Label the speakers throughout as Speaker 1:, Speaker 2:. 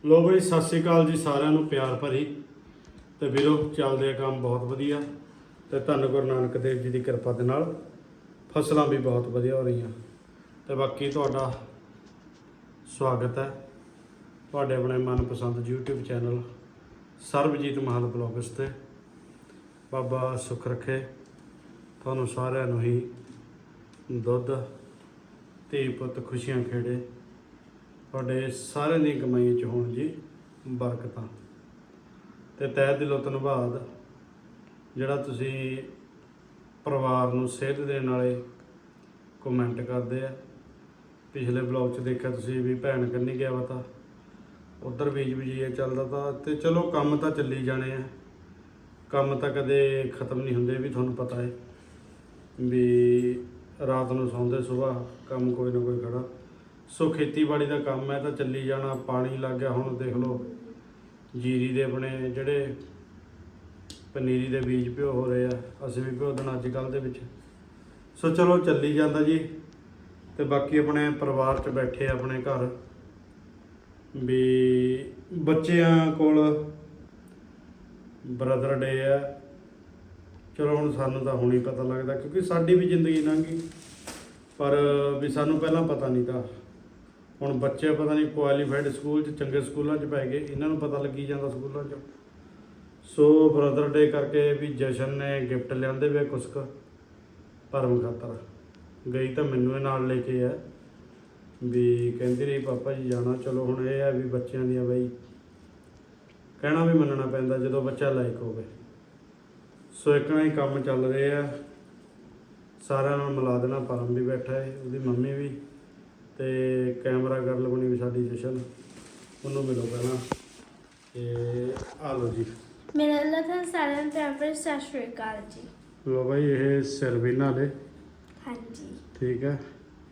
Speaker 1: ਲੋ ਬਈ ਸਤਿ ਸ਼੍ਰੀ ਅਕਾਲ ਜੀ ਸਾਰਿਆਂ ਨੂੰ ਪਿਆਰ ਭਰੀ ਤੇ ਵੀਰੋ ਚੱਲਦੇ ਆ ਕੰਮ ਬਹੁਤ ਵਧੀਆ ਤੇ ਧੰਨ ਗੁਰੂ ਨਾਨਕ ਦੇਵ ਜੀ ਦੀ ਕਿਰਪਾ ਦੇ ਨਾਲ ਫਸਲਾਂ ਵੀ ਬਹੁਤ ਵਧੀਆ ਹੋ ਰਹੀਆਂ ਤੇ ਬਾਕੀ ਤੁਹਾਡਾ ਸਵਾਗਤ ਹੈ ਤੁਹਾਡੇ ਆਪਣੇ ਮਨਪਸੰਦ YouTube channel Sarabjit Mahal blogs ਤੇ। ਬਾਬਾ ਸੁੱਖ ਰੱਖੇ ਤੁਹਾਨੂੰ ਸਾਰਿਆਂ ਨੂੰ ਹੀ ਦੁੱਧ ਧੀ ਪੁੱਤ ਖੁਸ਼ੀਆਂ ਖੇੜੇ ਤੁਹਾਡੇ ਸਾਰਿਆਂ ਦੀ ਕਮਾਈ 'ਚ ਹੋਣ ਜੀ ਬਰਕਤਾਂ ਤੇ ਤਹਿ ਦਿਲੋਂ ਧੰਨਵਾਦ ਜਿਹੜਾ ਤੁਸੀਂ ਪਰਿਵਾਰ ਨੂੰ ਸੇਧ ਦੇਣ ਵਾਲੇ ਕਮੈਂਟ ਕਰਦੇ ਆ। ਪਿਛਲੇ ਬਲੌਗ 'ਚ ਦੇਖਿਆ ਤੁਸੀਂ ਵੀ ਭੈਣ ਕੰਨੀ ਗਿਆ ਵਾ ਤਾਂ ਉੱਧਰ ਬੀਜ ਚੱਲਦਾ ਤਾਂ ਤੇ ਚਲੋ ਕੰਮ ਤਾਂ ਚੱਲੀ ਜਾਣੇ ਆ, ਕੰਮ ਤਾਂ ਕਦੇ ਖਤਮ ਨਹੀਂ ਹੁੰਦੇ ਵੀ ਤੁਹਾਨੂੰ ਪਤਾ ਹੈ ਵੀ ਰਾਤ ਨੂੰ ਸੌਂਦੇ ਸੁਬਾਹ ਕੰਮ ਕੋਈ ਨਾ ਕੋਈ ਖੜਾ। ਸੋ ਖੇਤੀਬਾੜੀ ਦਾ ਕੰਮ ਹੈ ਤਾਂ ਚੱਲੀ ਜਾਣਾ। ਪਾਣੀ ਲੱਗ ਗਿਆ ਹੁਣ ਦੇਖ ਲਓ ਜੀਰੀ ਦੇ ਆਪਣੇ ਜਿਹੜੇ ਪਨੀਰੀ ਦੇ ਬੀਜ ਭਿਓ ਹੋ ਰਹੇ ਆ, ਅਸੀਂ ਵੀ ਭਿਓ ਦੇਣਾ ਅੱਜ ਕੱਲ੍ਹ ਦੇ ਵਿੱਚ। ਸੋ ਚਲੋ ਚੱਲੀ ਜਾਂਦਾ ਜੀ। ਤੇ ਬਾਕੀ ਆਪਣੇ ਪਰਿਵਾਰ 'ਚ ਬੈਠੇ ਆਪਣੇ ਘਰ ਵੀ ਬੱਚਿਆਂ ਕੋਲ ਬ੍ਰਦਰ ਡੇ ਆ। ਚਲੋ ਹੁਣ ਸਾਨੂੰ ਤਾਂ ਹੁਣ ਹੀ ਪਤਾ ਲੱਗਦਾ ਕਿਉਂਕਿ ਸਾਡੀ ਵੀ ਜ਼ਿੰਦਗੀ ਲੰਘ ਗਈ, ਪਰ ਵੀ ਸਾਨੂੰ ਪਹਿਲਾਂ ਪਤਾ ਨਹੀਂ ਤਾਂ ਹੁਣ ਬੱਚੇ ਪਤਾ ਨਹੀਂ ਕੁਆਲੀਫਾਈਡ ਸਕੂਲ 'ਚ ਚੰਗੇ ਸਕੂਲਾਂ 'ਚ ਪੈ ਗਏ, ਇਹਨਾਂ ਨੂੰ ਪਤਾ ਲੱਗੀ ਜਾਂਦਾ ਸਕੂਲਾਂ 'ਚ। ਸੋ ਬ੍ਰਦਰ ਡੇ ਕਰਕੇ ਵੀ ਜਸ਼ਨ ਨੇ ਗਿਫਟ ਲਿਆਂਦੇ ਵੇ ਕੁਛ ਕੁ ਭਰਮ ਖਾਤਰ। ਗਈ ਤਾਂ ਮੈਨੂੰ ਇਹ ਨਾਲ ਲੈ ਕੇ ਆ ਵੀ ਕਹਿੰਦੀ ਰਹੀ ਪਾਪਾ ਜੀ ਜਾਣਾ। ਚਲੋ ਹੁਣ ਇਹ ਆ ਵੀ ਬੱਚਿਆਂ ਦੀਆਂ ਬਈ ਕਹਿਣਾ ਵੀ ਮੰਨਣਾ ਪੈਂਦਾ ਜਦੋਂ ਬੱਚਾ ਲਾਇਕ ਹੋਵੇ। ਸੋ ਇੱਕ ਨਾ ਹੀ ਕੰਮ ਚੱਲ ਰਹੇ ਆ, ਸਾਰਿਆਂ ਨਾਲ ਮਿਲਾ ਦੇਣਾ। ਪਰਮ ਵੀ ਬੈਠਾ ਹੈ, ਉਹਦੀ ਮੰਮੀ ਵੀ, ਤੇ ਕੈਮਰਾ ਗਰਲ ਬਣੀ ਵੀ ਸਾਡੀ ਜਸ਼ਨ, ਉਹਨੂੰ ਮਿਲੋ ਪਹਿਲਾਂ। ਤੇ ਆ ਲਓ ਜੀ
Speaker 2: ਮੇਰਾ ਅੱਲਾ ਤਾਂ ਸਾਰਿਆਂ ਨੂੰ ਪਿਆਰ ਭਰੀ ਸਤਿ ਸ਼੍ਰੀ ਅਕਾਲ ਜੀ।
Speaker 1: ਲੋ ਬਾਈ ਇਹ ਸਰਵੀਨਾ ਲੈ
Speaker 2: ਹਾਂਜੀ
Speaker 1: ਠੀਕ ਹੈ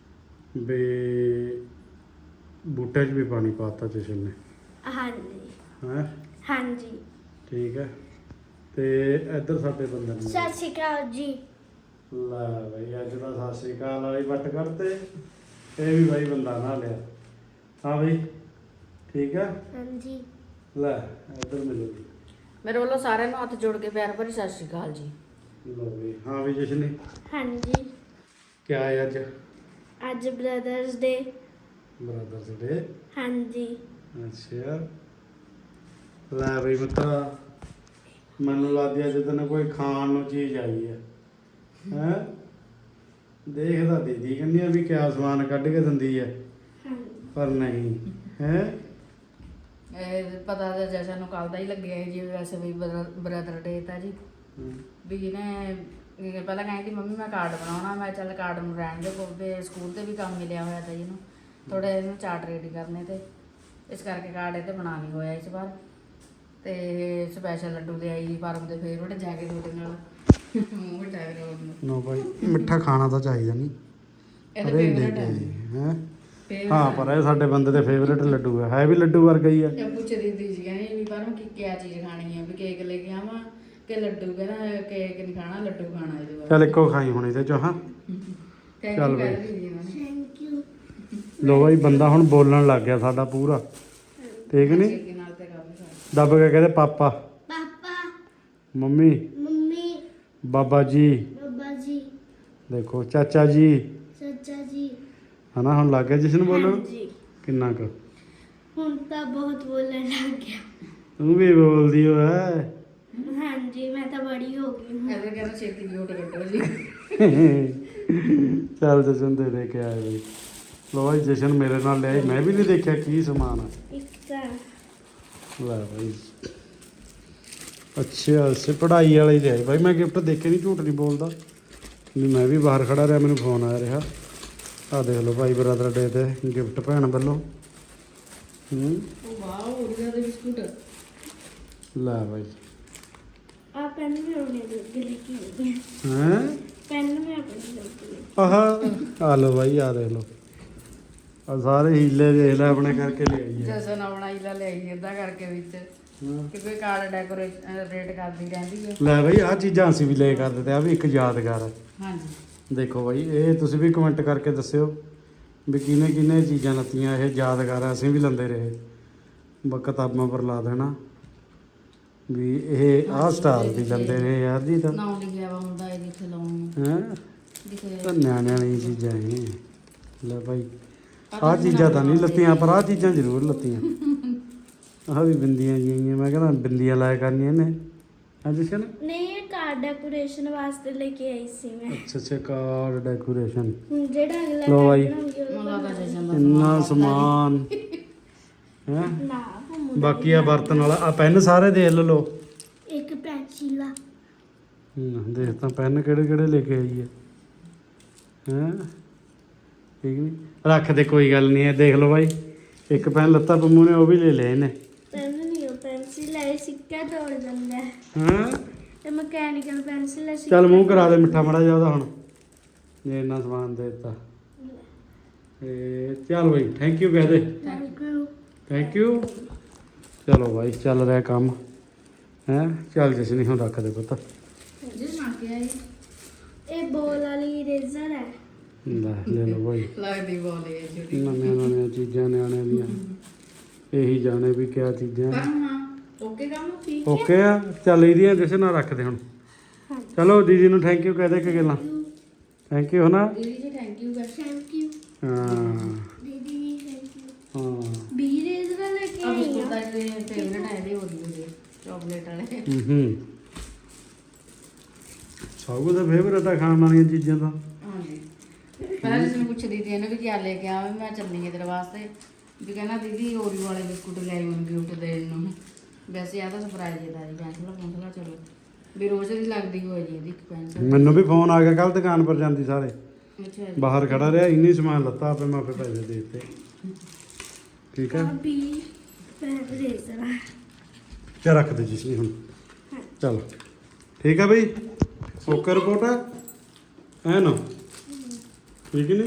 Speaker 1: ਵੀ ਬੂਟੇ 'ਚ ਵੀ ਪਾਣੀ ਪਾਤਾ ਜਸ਼ਨ ਨੇ
Speaker 2: ਹਾਂਜੀ
Speaker 1: ਹੈਂ
Speaker 2: ਹਾਂਜੀ।
Speaker 1: ਠੀਕ ਹੈ। ਤੇ ਇੱਧਰ ਸਾਡੇ ਬੰਦੇ ਨੇ
Speaker 2: ਸਤਿ ਸ਼੍ਰੀ ਅਕਾਲ ਜੀ।
Speaker 1: ਲੈ ਬਈ ਅੱਜ ਤਾਂ ਸਤਿ ਸ਼੍ਰੀ ਅਕਾਲ ਵਾਲੀ ਵੱਟ ਕਰਤੇ। ਇਹ ਵੀ ਬਾਈ ਬੰਦਾ ਨਾ ਲਿਆ। ਹਾਂ ਬਈ ਠੀਕ ਹੈ।
Speaker 2: ਹਾਂਜੀ
Speaker 1: ਲੈ ਇੱਧਰ ਮਿਲੋ ਜੀ।
Speaker 3: ਮੇਰੇ ਵੱਲੋਂ ਸਾਰਿਆਂ ਨੂੰ ਹੱਥ ਜੋੜ ਕੇ ਪਿਆਰ ਭਰੀ ਸਤਿ ਸ਼੍ਰੀ ਅਕਾਲ ਜੀ।
Speaker 1: ਲੋ ਬਈ ਹਾਂ ਵੀ ਜਸ਼ਨ ਨੇ
Speaker 2: ਹਾਂਜੀ।
Speaker 1: ਕਿਆ ਹੈ ਅੱਜ?
Speaker 2: ਅੱਜ ਬ੍ਰਦਰਸ ਡੇ।
Speaker 1: ਬ੍ਰਦਰਸ ਡੇ।
Speaker 2: ਹਾਂਜੀ
Speaker 1: ਅੱਛਾ ਲੈ ਬਈ ਮਿੱਤਰਾ ਮੈਨੂੰ ਲੱਗਦੀ ਅੱਜ ਤੈਨੂੰ ਕੋਈ ਖਾਣ ਨੂੰ ਚੀਜ਼ ਆਈ ਹੈ ਹੈਂ। ਦੇਖਦਾ ਦੀਦੀ ਕਹਿੰਦੀ ਆ ਵੀ ਕਿਆ ਸਮਾਨ ਕੱਢ ਕੇ ਦਿੰਦੀ ਹੈ
Speaker 2: ਹਾਂਜੀ
Speaker 1: ਪਰ ਨਹੀਂ ਹੈ।
Speaker 3: ਇਹ ਪਤਾ ਤਾਂ ਜਸ਼ਨ ਨੂੰ ਕੱਲ ਦਾ ਹੀ ਲੱਗਿਆ ਜੀ। ਵੈਸੇ ਵੀ ਬ੍ਰਦਰ ਡੇ ਤਾਂ ਜੀ ਵੀ ਇਹਨੇ ਪਹਿਲਾਂ ਕਹਿੰਦੀ ਮੰਮੀ ਮੈਂ ਕਾਰਡ ਬਣਾਉਣਾ। ਮੈਂ ਚੱਲ ਕਾਰਡ ਨੂੰ ਰਹਿਣ ਦੇ ਕੋਲ ਸਕੂਲ ਤੇ ਵੀ ਕੰਮ ਮਿਲਿਆ ਹੋਇਆ ਤਾਂ ਇਹਨੂੰ ਥੋੜਾ ਇਹਨੂੰ ਚਾਰਟ ਰੈਡੀ ਕਰਨੇ ਤੇ ਇਸ ਕਰਕੇ ਕਾਰਡ ਇਹ ਤੇ ਬਣਾ ਨਹੀਂ ਹੋਇਆ ਇਸ ਵਾਰ। ਤੇ ਸਪੈਸ਼ਲ ਲੱਡੂ ਲਿਆਈ ਪਰਮ ਦੇ ਫੇਵਰਟ ਜਾ ਕੇ ਤੁਹਾਡੇ ਨਾਲ ਮੂੰਹ ਮਿਠਾਈ ਰੋਡ ਨੂੰ।
Speaker 1: ਨੋ ਭਾਈ ਮਿੱਠਾ ਖਾਣਾ ਤਾਂ ਚਾਹੀਦਾ ਨਹੀਂ
Speaker 3: ਇਹ ਤਾਂ
Speaker 1: ਅਰੇ ਲੈ
Speaker 3: ਫੇਵਰਟ
Speaker 1: ਕੇ
Speaker 3: ਹੈ
Speaker 1: ਹੈ। ਹਾਂ ਪਰ ਇਹ ਸਾਡੇ ਬੰਦੇ ਦੇ ਫੇਵਰੇਟ ਲੱਡੂ ਹੈ ਵੀ ਲੱਡੂ ਵਰਗਾ ਹੀ ਹੈ।
Speaker 3: ਇਹ ਪੁੱਛਦੀ ਸੀ ਕਹਿੰਦੀ ਵੀ ਪਰਮ ਕੀ ਚੀਜ਼ ਖਾਣੀ ਹੈ ਵੀ ਕੇਕ ਲੈ ਕੇ ਆਵਾਂ ਕਿ ਲੱਡੂ। ਕਹਿੰਦਾ ਕੇਕ ਨਹੀਂ ਖਾਣਾ ਲੱਡੂ ਖਾਣਾ ਇਹਦੇ ਬਾਅਦ।
Speaker 1: ਚੱਲ ਇੱਕੋ ਖਾਈ ਹੁਣ ਇਹਦੇ ਚੋਂ। ਹਾਂ ਚੱਲ ਬਈ।
Speaker 2: Thank you.
Speaker 1: ਲੋ ਬਾਈ ਬੰਦਾ ਹੁਣ ਬੋਲਣ ਲੱਗ ਗਿਆ ਸਾਡਾ ਪੂਰਾ ਠੀਕ ਨਹੀਂ।
Speaker 3: ਨਾਲ ਤੇ ਕੰਮ ਕਰ
Speaker 1: ਦੱਬ ਕੇ ਕਹਿੰਦੇ ਪਾਪਾ
Speaker 2: ਪਾਪਾ
Speaker 1: ਮੰਮੀ
Speaker 2: ਮੰਮੀ
Speaker 1: ਬਾਬਾ ਜੀ
Speaker 2: ਬਾਬਾ ਜੀ
Speaker 1: ਦੇਖੋ ਚਾਚਾ ਜੀ
Speaker 2: ਚਾਚਾ ਜੀ।
Speaker 1: ਹਨਾ ਹੁਣ ਲੱਗ ਗਿਆ ਜਸ਼ਨ ਬੋਲਣ
Speaker 2: ਹਾਂਜੀ
Speaker 1: ਕਿੰਨਾ ਕੁ।
Speaker 2: ਹੁਣ ਤਾਂ ਬਹੁਤ ਬੋਲਣ ਲੱਗ ਗਿਆ।
Speaker 1: ਤੂੰ ਵੀ ਬੋਲਦੀ ਹੋ ਹੈ।
Speaker 2: ਹਾਂਜੀ ਮੈਂ ਤਾਂ ਬੜੀ ਹੋ ਗਈ ਹੁਣ।
Speaker 3: ਐਵੇਂ ਕਹਿੰਦਾ ਛੇਤੀ ਮਿਊਟ ਕੱਢੋ ਜੀ।
Speaker 1: ਚੱਲ ਜਸ਼ਨ ਦੇ ਕੇ ਆਏ ਬਈ। ਲੋ ਬਾਈ ਜਸ਼ਨ ਮੇਰੇ ਨਾਲ ਲਿਆਈ, ਮੈਂ ਵੀ ਨਹੀਂ ਦੇਖਿਆ ਕੀ ਸਮਾਨ ਆ।
Speaker 2: ਇੱਕ ਤਾਂ
Speaker 1: ਲੈ ਬਾਈ ਅੱਛਾ ਸੇ ਪੜ੍ਹਾਈ ਵਾਲਾ ਹੀ ਲਿਆਈ ਬਾਈ। ਮੈਂ ਗਿਫਟ ਦੇਖੇ ਨਹੀਂ, ਝੂਠ ਨਹੀਂ ਬੋਲਦਾ ਵੀ ਮੈਂ ਵੀ ਬਾਹਰ ਖੜਾ ਰਿਹਾ ਮੈਨੂੰ ਫੋਨ ਆ ਰਿਹਾ। ਆ ਦੇਖ ਲਓ ਭਾਈ ਬ੍ਰਦਰ ਡੇ ਤੇ ਗਿਫਟ ਭੈਣ ਵੱਲੋਂ।
Speaker 3: ਉਹ ਵਾਓ ਉਹਦੇ ਦੇ ਬਿਸਕੁਟ।
Speaker 1: ਲੈ ਬਾਈ
Speaker 2: ਆ ਪੈਨ ਵੀ ਉਹਨੇ ਦੇ ਲਿਖੀ ਹੋਈ ਹੈ।
Speaker 1: ਹੈ
Speaker 2: ਪੈਨ ਵੀ ਆਪਣੀ ਲੱਗੀ ਹੈ।
Speaker 1: ਆਹ ਆ ਲਓ ਬਾਈ ਆ ਦੇਖ ਲਓ ਆ ਸਾਰੇ ਹੀਲੇ ਦੇਖ ਲੈ ਆਪਣੇ ਕਰਕੇ ਲਿਆਈ ਹੈ।
Speaker 3: ਜਸਨ ਆਪਣਾ ਇਲਾ ਲਿਆਈ ਏਦਾਂ ਕਰਕੇ ਵਿੱਚ ਕਿ ਕੋਈ ਕਾਰਡ ਡੈਕੋਰੇਸ਼ਨ ਰੇਟ ਕਰਦੀ ਰਹਿੰਦੀ ਹੈ।
Speaker 1: ਲੈ ਬਾਈ ਆਹ ਚੀਜ਼ਾਂ ਅਸੀਂ ਵੀ ਲੈ ਕਰ ਦਿੱਤੇ। ਆ ਵੀ ਇੱਕ ਯਾਦਗਾਰ ਹੈ।
Speaker 3: ਹਾਂਜੀ
Speaker 1: ਦੇਖੋ ਬਾਈ ਇਹ ਤੁਸੀਂ ਵੀ ਕਮੈਂਟ ਕਰਕੇ ਦੱਸਿਓ ਵੀ ਕਿਹਨੇ ਕਿਹਨੇ ਚੀਜ਼ਾਂ ਲੱਤੀਆਂ। ਇਹ ਯਾਦਗਾਰ ਆ, ਅਸੀਂ ਵੀ ਲੈਂਦੇ ਰਹੇ ਕਿਤਾਬਾਂ ਪਰ ਲਾ ਦੇਣਾ ਵੀ ਇਹ ਆਹ ਸਟਾਰ ਦੀ ਲੈਂਦੇ ਨੇ ਯਾਰ ਜੀ ਤਾਂ
Speaker 3: ਨਾਮ ਲਿਖਿਆ ਵਾ ਹੁੰਦਾ ਇਹ ਜਿੱਥੇ ਲਾਉਣੀ
Speaker 1: ਹੈ
Speaker 3: ਲਿਖੇ
Speaker 1: ਤਾਂ ਨਿਆਣਿਆਂ ਵਾਲੀ ਚੀਜ਼ਾਂ ਇਹ ਲੈ ਭਾਈ ਆਹ ਚੀਜ਼ਾਂ ਤਾਂ ਨਹੀਂ ਲੱਤੀਆਂ ਪਰ ਆਹ ਚੀਜ਼ਾਂ ਜ਼ਰੂਰ ਲੱਤੀਆਂ ਆਹ ਵੀ ਬਿੰਦੀਆਂ ਜਿਹੀਆਂ ਮੈਂ ਕਹਿੰਦਾ ਬਿੰਦੀਆਂ ਲਾਇਆ ਕਰਨੀਆਂ ਨੇ ਅੱਜ ਸ਼ਨ
Speaker 2: ਨਹੀਂ ਇਹ ਕਾਰ ਡੈਕੋਰੇਸ਼ਨ ਵਾਸਤੇ ਲੈ ਕੇ ਆਈ ਸੀ ਮੈਂ
Speaker 1: ਅੱਛਾ ਕਾਰਡ ਡੈਕੋਰੇਸ਼ਨ
Speaker 2: ਹੁਣ ਜਿਹੜਾ ਅਗਲਾ
Speaker 1: ਲਓ ਬਾਈ।
Speaker 2: card ਬਣਾਉਂਗੀ ਉਹਦੇ
Speaker 3: ਮੁੰਡਾ ਦਾ ਜਸ਼ਨ ਦਾ
Speaker 1: ਇੰਨਾ ਸਮਾਨ ਹੈ
Speaker 2: ਨਾ ਉਹ ਮੁੰਡਾ
Speaker 1: ਬਾਕੀ ਆ ਬਰਤਨ ਵਾਲਾ ਆ ਪੈਨ ਸਾਰੇ ਦੇਖ ਲਓ
Speaker 2: ਇੱਕ ਪੈਂਸਿਲ ਆ
Speaker 1: ਦੇਖ ਤਾਂ ਪੈਨ ਕਿਹੜੇ ਕਿਹੜੇ ਲੈ ਕੇ ਆਈ ਹੈ ਹੈਂ ਠੀਕ ਨਹੀਂ ਰੱਖ ਦੇ ਕੋਈ ਗੱਲ ਨਹੀਂ ਹੈ ਦੇਖ ਲਓ ਬਾਈ ਇੱਕ ਪੈਨ ਲੱਤਾ ਪੰਮੂ ਨੇ ਉਹ ਵੀ ਲੈ ਲਿਆ ਇਹਨੇ
Speaker 2: ਪੈਨ ਨਹੀਂ ਉਹ ਪੈਂਸਿਲ ਹੈ ਸਿੱਕਾ ਤੋੜ ਜਾਂਦਾ ਹੈ
Speaker 1: ਹਾਂ
Speaker 2: ਤੇ ਮਕੈਨੀਕਲ ਪੈਂਸਿਲ ਹੈ
Speaker 1: ਚੱਲ ਮੂੰਹ ਕਰਾ ਦੇ ਮਿੱਠਾ ਮੜਾ ਜਾ ਉਹਦਾ ਹੁਣ ਜੇ ਇੰਨਾ ਸਮਾਨ ਦੇ ਦਿੱਤਾ ਚੱਲ ਬਾਈ ਥੈਂਕ ਯੂ ਕਹਿ ਦੇ ਥੈਂਕ ਯੂ ਚਲੋ ਬਾਈ ਚੱਲ ਰਿਹਾ ਕੰਮ ਹੈ ਚੱਲ ਜਿਸ ਨਹੀਂ ਹੁਣ ਰੱਖ ਦੇ ਪੁੱਤ
Speaker 3: ਜਿਸ ਨਾਲ ਕੇ ਆਈ
Speaker 2: ਇਹ ਬੋਲ ਵਾਲੀ ਇਰੇਜ਼ਰ ਹੈ
Speaker 1: ਲੈ ਲਓ ਬਾਈ
Speaker 3: ਲੱਗਦੀ ਬੋਲੇ ਛੋਟੀ
Speaker 1: ਨਵੀਆਂ ਚੀਜ਼ਾਂ ਨਿਆਣਿਆਂ ਦੀਆਂ ਇਹੀ ਜਾਣੇ ਵੀ ਕਿਆ ਚੀਜ਼ਾਂ
Speaker 3: ਪਰ ਹਾਂ ਓਕੇ ਕੰਮ ਠੀਕ
Speaker 1: ਓਕੇ ਆ ਚੱਲ ਇਹਦੀਆਂ ਜਿਸ ਨਾਲ ਰੱਖ ਦੇ ਹੁਣ ਚਲੋ ਦੀਦੀ ਨੂੰ ਥੈਂਕ ਯੂ ਕਹਿ ਦੇ ਕਿ ਗੱਲਾਂ ਥੈਂਕ ਯੂ ਹਨਾ
Speaker 3: ਦੀਦੀ ਜੀ ਥੈਂਕ ਯੂ ਕਰ
Speaker 2: ਥੈਂਕ ਯੂ
Speaker 1: ਹਾਂ
Speaker 2: ਦੀਦੀ ਥੈਂਕ ਯੂ
Speaker 1: ਹਾਂ
Speaker 2: ਬੀ ਇਰੇਜ਼ਰ ਲੈ ਕੇ
Speaker 3: ਆ
Speaker 2: ਆਈ
Speaker 3: ਬਿਸਕੁਟ
Speaker 2: ਆ
Speaker 3: ਦਾ ਜਿਹੜੇ ਫੇਵਰਟ ਹੈ ਇਹਦੇ ਹੋਦੀ ਦੇ ਚਾਕਲੇਟ ਵਾਲੇ
Speaker 1: ਸਭ ਦਾ ਫੇਵਰਟ ਆ ਖਾਣ ਵਾਲੀਆਂ ਚੀਜ਼ਾਂ ਤਾਂ
Speaker 3: ਹਾਂਜੀ ਪਹਿਲਾਂ ਜਿਸ ਨੂੰ ਪੁੱਛਦੀ ਸੀ ਇਹਨੂੰ ਵੀ ਕੀ ਲੈ ਕੇ ਆਵਾਂ ਮੈਂ ਚੱਲਣੀ ਹੈ ਤੇਰੇ ਵਾਸਤੇ ਵੀ ਕਹਿੰਦਾ ਦੀਦੀ ਓਰੀਓ ਵਾਲੇ ਬਿਸਕੁਟ ਲੈ ਆਈ ਉਹਨੂੰ ਗਿਫਟ ਦੇਣ ਨੂੰ ਵੈਸੇ ਆ ਤਾਂ ਸਰਪ੍ਰਾਈਜ਼ ਹੈ ਦਾਦੀ ਪੈਨਸਲ ਚਲੋ ਵੀ ਰੋਜ਼ ਦੀ ਲੱਗਦੀ ਹੋਈ ਜੀ ਇਹਦੀ ਇੱਕ ਪੈਨਸਲ
Speaker 1: ਮੈਨੂੰ ਵੀ ਫੋਨ ਆ ਗਿਆ ਕੱਲ ਦੁਕਾਨ ਪਰ ਜਾਂਦੀ ਸਾਰੇ
Speaker 3: ਅੱਛਾ ਜੀ।
Speaker 1: ਬਾਹਰ ਖੜਾ ਰਿਹਾ ਇੰਨੀ ਸਮਾਨ ਲੱਤਾ ਆਪੇ ਮੈਂ ਆਪੇ ਪੈਸੇ ਦੇ ਦਿੱਤੇ ਠੀਕ ਹੈ
Speaker 2: ਬੀ ਇਰੇਜ਼ਰ ਆ
Speaker 1: ਚਾ ਰੱਖ ਦੇ ਜਿਸ ਨਹੀਂ ਹੁਣ ਚਲ ਠੀਕ ਹੈ ਬਈ ਓਕੇ ਰਿਪੋਰਟ ਹੈ ਨਾ ਠੀਕ ਨਹੀਂ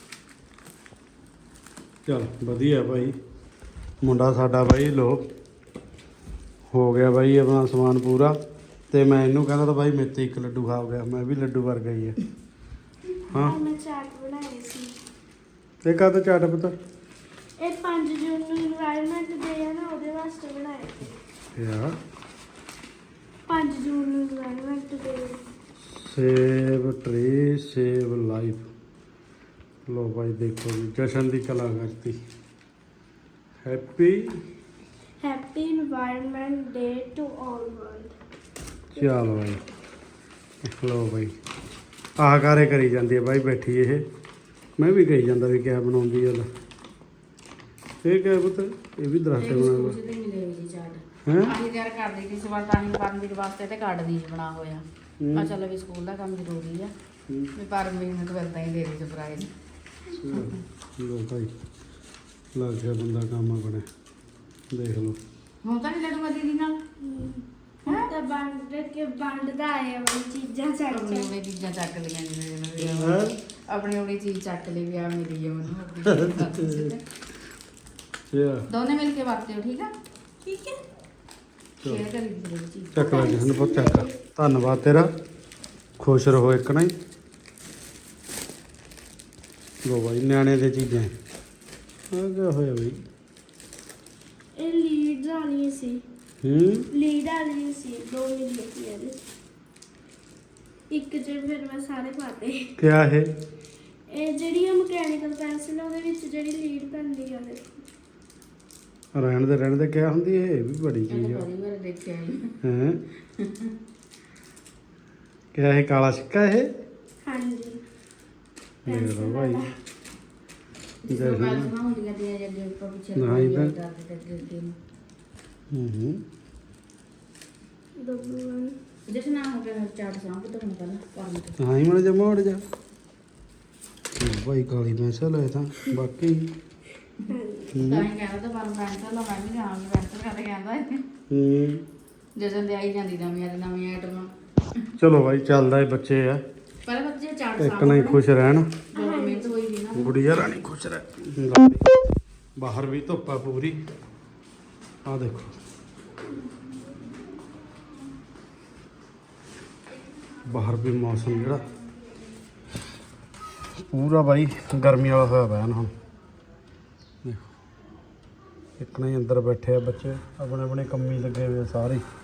Speaker 1: ਚਲ ਵਧੀਆ ਭਾਈ ਮੁੰਡਾ ਸਾਡਾ ਭਾਈ ਲੋ ਹੋ ਗਿਆ ਭਾਈ ਆਪਣਾ ਸਮਾਨ ਪੂਰਾ ਤੇ ਮੈਂ ਇਹਨੂੰ ਕਹਿੰਦਾ ਤਾਂ ਭਾਈ ਮੇਰੇ ਤੇ ਇੱਕ ਲੱਡੂ ਖਾ ਗਿਆ ਮੈਂ ਵੀ ਲੱਡੂ ਵਰਗਾ ਹੀ ਹੈ ਹਾਂ
Speaker 2: ਮੈਂ ਚਾਟ ਬਣਾਈ ਸੀ
Speaker 1: ਇਹ ਕਾਹਦਾ ਚਾਟ ਪਤਾ
Speaker 2: ਇਹ 5 ਜੂਨ ਨੂੰ ਇਨਵਾਇਰਨਮੈਂਟ ਡੇ ਹੈ ਨਾ ਉਹਦੇ ਵਾਸਤੇ ਬਣਾਇਆ ਸੀ
Speaker 1: ਯਾਰ
Speaker 2: 5 ਜੂਨ ਨੂੰ environment day
Speaker 1: save tree save life ਲੋ ਭਾਈ ਦੇਖੋ ਜੀ ਜਸ਼ਨ ਦੀ ਕਲਾ ਕਰਤੀ happy
Speaker 2: happy environment day to all world
Speaker 1: ਚਲ ਭਾਈ ਲੋ ਭਾਈ ਆਹ ਕਾਰੇ ਕਰੀ ਜਾਂਦੀ ਹੈ ਭਾਈ ਬੈਠੀ ਇਹ ਮੈਂ ਵੀ ਕਹੀ ਜਾਂਦਾ ਵੀ ਕਿਆ ਬਣਾਉਂਦੀ ਹੈ ਇਹ ਕਿਆ ਪੁੱਤ ਇਹ ਵੀ ਦਰਖਤ
Speaker 3: ਇਹ
Speaker 1: ਬਣਾ
Speaker 3: ਸਕੂਲ ਤੇ ਮਿਲੇ ਹੋਈ ਜੀ ਚਾਟ
Speaker 1: ਹੈ
Speaker 3: ਅਸੀਂ ਤਿਆਰ ਕਰਦੀ ਸੀ ਸਵਾਲ ਤਾਂ ਪਰਮਵੀਰ ਵਾਸਤੇ ਤੇ ਕਾਰਡ ਦੀ ਬਣਾ ਹੋਇਆ ਆ ਚੱਲ ਵੀ ਸਕੂਲ ਦਾ ਕੰਮ ਜ਼ਰੂਰੀ ਆ ਵੀ ਪਰਮਵੀਰ ਨੂੰ ਤਾਂ ਇਦਾਂ ਹੀ ਦੇ ਦੇ ਸਰਪ੍ਰਾਈਜ਼
Speaker 1: ਲੋ ਭਾਈ ਲੱਗ ਗਿਆ ਬੰਦਾ ਕੰਮ ਆਪਣੇ ਦੇਖ ਲਓ
Speaker 3: ਹੁਣ ਤਾਂ ਨਹੀਂ ਲੜੂਗਾ ਦੀਦੀ ਨਾਲ
Speaker 2: ਹੁਣ ਤਾਂ ਵੰਡਦਾ ਆਇਆ ਉਹ ਚੀਜ਼ਾਂ ਚੱਕ
Speaker 3: ਆਪਣੀ
Speaker 2: ਚੱਕ
Speaker 3: ਉਹਨੇ ਚੀਜ਼ਾਂ ਚੱਕ ਲਈਆਂ ਜਿਵੇਂ
Speaker 1: ਹੈਂ?
Speaker 3: ਆਪਣੀ ਉਹਨੇ ਚੀਜ਼ ਚੱਕ ਲਈ ਵੀ ਆ ਮੇਰੀ ਹੈ ਮੈਨੂੰ ਆਪਣੀ ਚੀਜ਼।
Speaker 1: ਯਾ
Speaker 3: ਦੋਨੇ ਮਿਲ ਕੇ ਵਰਤਿਓ ਠੀਕ ਆ
Speaker 2: ਠੀਕ ਹੈ
Speaker 3: ਸ਼ੇਅਰ ਕਰੀ ਦੀ ਚੀਜ਼
Speaker 1: ਚੱਕ ਲੈ ਜਸ਼ਨ ਬਹੁਤ ਚੱਕ ਧੰਨਵਾਦ ਤੇਰਾ ਖੁਸ਼ ਰਹੋ ਇੱਕ ਨਾ ਹੀ ਲੋ ਭਾਈ ਨਿਆਣੇ ਦੇ ਚੀਜ਼ਾਂ ਆ ਗਿਆ ਹੋਇਆ ਬਈ
Speaker 2: ਇਹ ਲੀਡ ਵਾਲੀ ਸੀ ਲੀਡ ਵਾਲੀ ਸੀ 2 ਮਿੰਟ ਲੱਗੀ ਇਹਦੇ ਇੱਕ ਚ ਫਿਰ ਮੈਂ ਸਾਰੇ ਪਾਤੇ
Speaker 1: ਕਿਆ ਹੈ
Speaker 2: ਇਹ ਜਿਹੜੀ ਆ ਮਕੈਨੀਕਲ ਪੈਨਸਿਲ ਉਹਦੇ ਵਿੱਚ ਜਿਹੜੀ ਲੀਡ ਪੈਂਦੀ ਆ ਉਹਦੇ
Speaker 1: ਰਹਿਣ ਦੇ ਕਿਆ ਹੁੰਦੀ ਹੈ ਇਹ ਵੀ ਬੜੀ ਚੀਜ਼
Speaker 3: ਇਹਨੂੰ
Speaker 1: ਆ
Speaker 3: ਬੜੀ ਵਾਰ ਦੇਖਿਆ ਜੀ
Speaker 1: ਹੈ ਕਿਆ ਹੈ ਕਾਲਾ ਸਿੱਕਾ ਇਹ
Speaker 2: ਹਾਂਜੀ
Speaker 1: ਦੇਖ ਲਓ ਭਾਈ
Speaker 3: ਜਿਸ ਤੋਂ ਬਾਅਦ ਨਾ ਹੁੰਦੀਆਂ ਦੀਆਂ ਜਿਹੜੇ ਉੱਪਰ ਪਿੱਛੇ
Speaker 1: ਨਾ ਹੀ ਤਾਂ।
Speaker 3: ਅੱਗੇ
Speaker 2: W1
Speaker 3: ਜਿਸ ਨਾਲ ਹੋ ਗਿਆ ਚਾਟ ਸਾਂਭ ਤੋਂ ਹੁਣ ਪਹਿਲਾਂ ਕਰਨ ਤੋਂ
Speaker 1: ਹਾਂ ਹੀ ਮੜ ਜਾ ਮੋੜ ਜਾ ਭਾਈ ਕਾਲੀ ਪੈਨਸਲ ਹੈ ਤਾਂ ਬਾਕੀ
Speaker 3: ਤਾਂ ਹੀ ਕਹਿੰਦਾ ਤਾਂ ਪਰ ਪੈਨਸਲ ਲਾ ਮੈਂ ਵੀ ਜਾਵਾਂ ਪੈਨਸਲ ਕਰਦੇ ਕਹਿੰਦਾ ਜਸ਼ਨ ਦੇ ਆਈ ਜਾਂਦੀ ਨਵੀਂ ਆਈਟਮ
Speaker 1: ਚਲੋ ਭਾਈ ਚੱਲਦਾ ਏ ਬੱਚੇ ਆ
Speaker 3: ਪਰ ਬੱਚੇ ਚਾਟ
Speaker 1: ਇੱਕ ਨਾ ਹੀ ਖੁਸ਼ ਰਹਿਣ
Speaker 3: ਬਹੁਤ ਮਿਹਨਤ ਹੋਈ ਵੀ ਨਾ
Speaker 1: ਗੁੜੀਆ ਰਾਣੀ ਖੁਸ਼ ਰਹਿ ਲਓ ਵੀ। ਬਾਹਰ ਵੀ ਧੁੱਪ ਆ ਪੂਰੀ ਆ ਦੇਖੋ ਬਾਹਰ ਵੀ ਮੌਸਮ ਜਿਹੜਾ ਪੂਰਾ ਬਾਈ ਗਰਮੀ ਵਾਲਾ ਹੋਇਆ ਪਿਆ ਨਾ ਹੁਣ ਦੇਖੋ ਇੱਕ ਨਾ ਹੀ ਅੰਦਰ ਬੈਠੇ ਆ ਬੱਚੇ ਆਪਣੇ ਆਪਣੇ ਕੰਮੀ ਲੱਗੇ ਹੋਏ ਆ ਸਾਰੇ ਹੀ।